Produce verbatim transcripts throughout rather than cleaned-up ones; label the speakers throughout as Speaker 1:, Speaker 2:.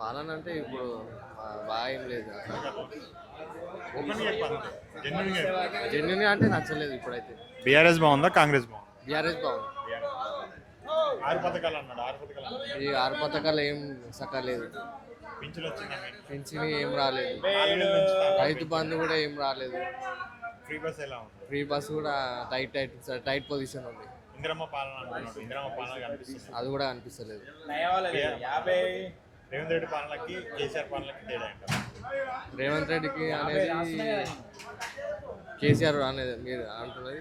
Speaker 1: పాలన అంటే ఇప్పుడు ఆ, బాగా ఏం లేదు
Speaker 2: ఓపెన్గా చెప్పాలి జెన్యున్గా చెప్పాలి.
Speaker 1: జెన్యున్ అంటే నచ్చలేదు ఇప్పుడైతే.
Speaker 2: బీఆర్ఎస్ బాగుందా కాంగ్రెస్ బాగుందా?
Speaker 1: బీఆర్ఎస్ బాగుంది.
Speaker 2: ఆరు పథకాలు అన్నాడు ఆరు పథకాలు అన్నాడు.
Speaker 1: ఈ ఆరు పథకాలు ఏం సక్కలేదు.
Speaker 2: పింఛన్లు వచ్చిందా మీకు?
Speaker 1: పెన్షన్ ఏం రాలేదు.
Speaker 2: నాలుగు వేలు పెంచుతా అన్నారు.
Speaker 1: రైతు బంధు కూడా ఏం రాలేదు.
Speaker 2: ఫ్రీ బస్ ఎలా ఉంది?
Speaker 1: ఫ్రీ బస్ కూడా టైట్ టైట్ టైట్ పొజిషన్ ఉంది.
Speaker 2: ఇందిరమ్మ పాలన అంటున్నాడు. ఇందిరమ్మ పాలన కనిపిస్తుంది.
Speaker 1: అది కూడా అనిపిస్తలేదు.
Speaker 2: రేవంత్ రెడ్డి పాలనకి కేసీఆర్ పాలనకి తేడా ఏంటారు?
Speaker 1: రేవంత్ రెడ్డికి అనేది కేసీఆర్ అనేది మీరు అంటున్నది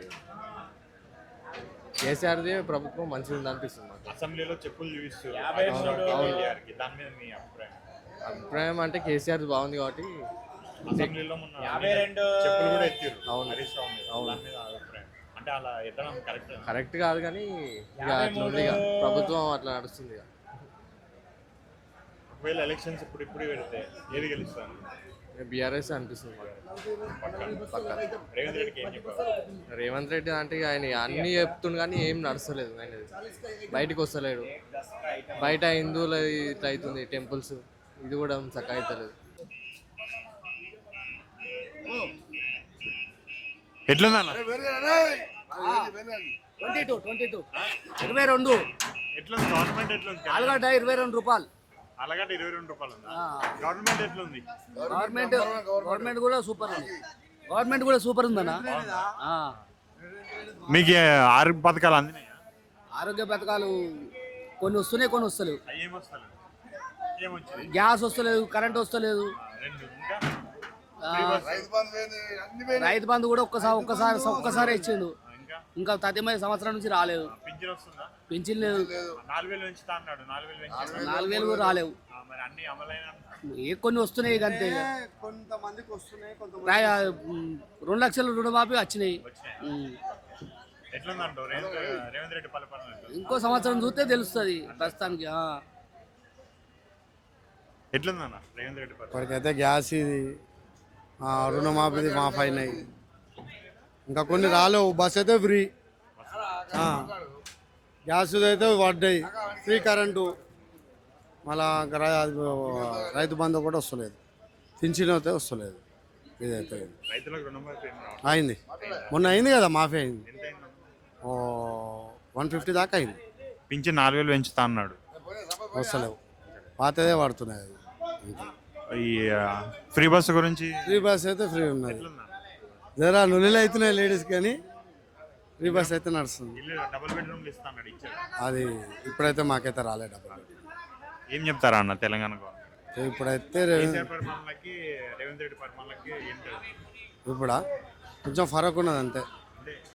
Speaker 1: కేసీఆర్ది ప్రభుత్వం మంచిగా ఉంది అనిపిస్తుంది నాకు.
Speaker 2: అసెంబ్లీలో చెప్పులు చూపిస్తారు
Speaker 1: అవును.
Speaker 2: కేటీఆర్కి. దాని మీద మీ అభిప్రాయం?
Speaker 1: అభిప్రాయం అంటే కేసీఆర్ బాగుంది కాబట్టి
Speaker 2: అసెంబ్లీలో మొన్న చెప్పులు కూడా ఎత్తారు.
Speaker 1: అవును.
Speaker 2: హరీష్ రావు మీద.
Speaker 1: అవును.
Speaker 2: దాని మీద అభిప్రాయం అంటే అలా ఎత్తడం కరెక్ట్?
Speaker 1: కరెక్ట్ కాదు కానీ ఇక అట్లా ఉంది ఇక ప్రభుత్వం అట్లా నడుస్తుంది ఇక.
Speaker 2: ఒకవేళ ఎలక్షన్స్ ఇప్పుడు ఇప్పుడు పెడితే ఏది గెలుస్తాను?
Speaker 1: బీఆర్ఎస్ అనిపిస్తుంది మాకు. పక్కా.
Speaker 2: రేవంత్ రెడ్డికి ఏం చెప్పారు?
Speaker 1: రేవంత్ రెడ్డి అంటే ఇక ఆయన అన్నీ చెప్తుండు కానీ ఏం నడుస్తలేదు ఆయన. బయటికి వస్తలేడు. బయట హిందువులు ఇట్లా అవుతుంది టెంపుల్స్, ఇది కూడా చక్కగా అవుతలేదు.
Speaker 2: ఎట్లుందన్న?
Speaker 3: ట్వంటీ టూ ట్వంటీ టూ ఇరవై రెండు
Speaker 2: ఎట్లుంది గవర్నమెంట్? ఎట్లుంది?
Speaker 3: ఆలుగడ్డ ఇరవై రెండు రూపాయలు.
Speaker 2: అలాగంటే ఇరవై రెండు రూపాయలు ఉందా? గవర్నమెంట్ ఎట్లుంది?
Speaker 3: గవర్నమెంట్ గవర్నమెంట్ కూడా సూపర్ ఉంది. గవర్నమెంట్ కూడా సూపర్ ఉందన్న. ఆ.
Speaker 2: మీకు ఆరు పథకాలు అందినాయా?
Speaker 3: ఆరోగ్య పథకాలు కొన్ని వస్తున్నాయి, కొన్ని వస్తలేవు.
Speaker 2: అవి ఏమొస్తలేదు? ఏమొచ్చింది?
Speaker 3: గ్యాస్ వస్తలేదు, కరెంట్ వస్తలేదు.
Speaker 2: రెండు ఇంకా
Speaker 3: ఆ, రైతు బంధు కూడా ఒక్కసారి ఒక్కసారి ఒక్కసారి ఇచ్చిండు.
Speaker 2: ఇంకా
Speaker 3: ఇంకా తొమ్మిది సంవత్సరాల నుంచి రాలేదు.
Speaker 2: పింఛన్ వస్తుందా?
Speaker 3: పింఛన్ లేదు.
Speaker 2: నాలుగు వేలు పెంచుతా అన్నాడు. నాలుగు వేలు పెంచారు.
Speaker 3: నాలుగు వేలు కూడా రాలేవు.
Speaker 2: మరి అన్ని అమలైన
Speaker 3: ఏ కొన్ని వస్తున్నాయి ఇక అంతే.
Speaker 4: కొంతమందికి వస్తున్నాయి, కొంతమంది
Speaker 3: రాయ రెండు లక్షల రుణమాఫీ వచ్చినాయి.
Speaker 2: వచ్చినాయి.
Speaker 3: ఉమ్.
Speaker 2: ఎట్లుందంటావు రేవంత్ రేవంత్ రెడ్డి పరిపాలన ఎట్లుంది?
Speaker 3: ఇంకో సంవత్సరం చూస్తే తెలుస్తుంది ప్రస్తుతానికి. ఆ.
Speaker 2: ఎట్లుందన్న రేవంత్ రెడ్డి పరిపాలన?
Speaker 4: ఇప్పటికైతే గ్యాస్ ఇది ఆ, రుణమాఫీది మాఫ్ అయినాయి. ఇంకా కొన్ని రాలేవు. బస్ అయితే ఫ్రీ, ఆ, గ్యాస్ అయితే పడ్డాయి, ఫ్రీ కరెంటు. మళ్ళా ఇంకా రై- అది, రైతు బంధు కూడా వస్తలేదు, పింఛన్ అయితే వస్తలేదు. ఇదైతే
Speaker 2: రైతులకు రుణమాఫీ ఏం రావట్లేదు.
Speaker 4: అయింది, మొన్న అయింది కదా మాఫీ అయింది.
Speaker 2: ఎంత అయిందన్న?
Speaker 4: ఓ వన్ ఫిఫ్టీ దాకా అయింది.
Speaker 2: పింఛన్ నాలుగు వేలు పెంచుతా అన్నాడు.
Speaker 4: వస్తలేవు, పాతదే పడుతున్నాయి. అది అంతే.
Speaker 2: ఈ ఆ, ఫ్రీ బస్సు గురించి
Speaker 4: ఫ్రీ బస్ అయితే ఫ్రీ ఉన్నది.
Speaker 2: ఎట్లుందన్న?
Speaker 4: జరా నులిలు అవుతున్నాయి లేడీస్ కానీ ఫ్రీ బస్ అయితే నడుస్తుంది.
Speaker 2: ఇల్లు డబుల్ బెడ్రూమ్లు ఇస్తా అన్నాడు. ఇచ్చాడు?
Speaker 4: అది ఇప్పుడైతే మాకైతే రాలే డబ్బులు.
Speaker 2: ఏం చెప్తారా అన్న తెలంగాణ గవర్నమెంట్?
Speaker 4: ఇప్పుడైతే రే-
Speaker 2: కేసీఆర్ పరిపాలనకి రేవంత్ రెడ్డి పరిపాలనకి ఏం తెలుసు?
Speaker 4: ఇప్పుడా కొంచెం ఫరక్ ఉన్నది అంతే.
Speaker 2: అంటే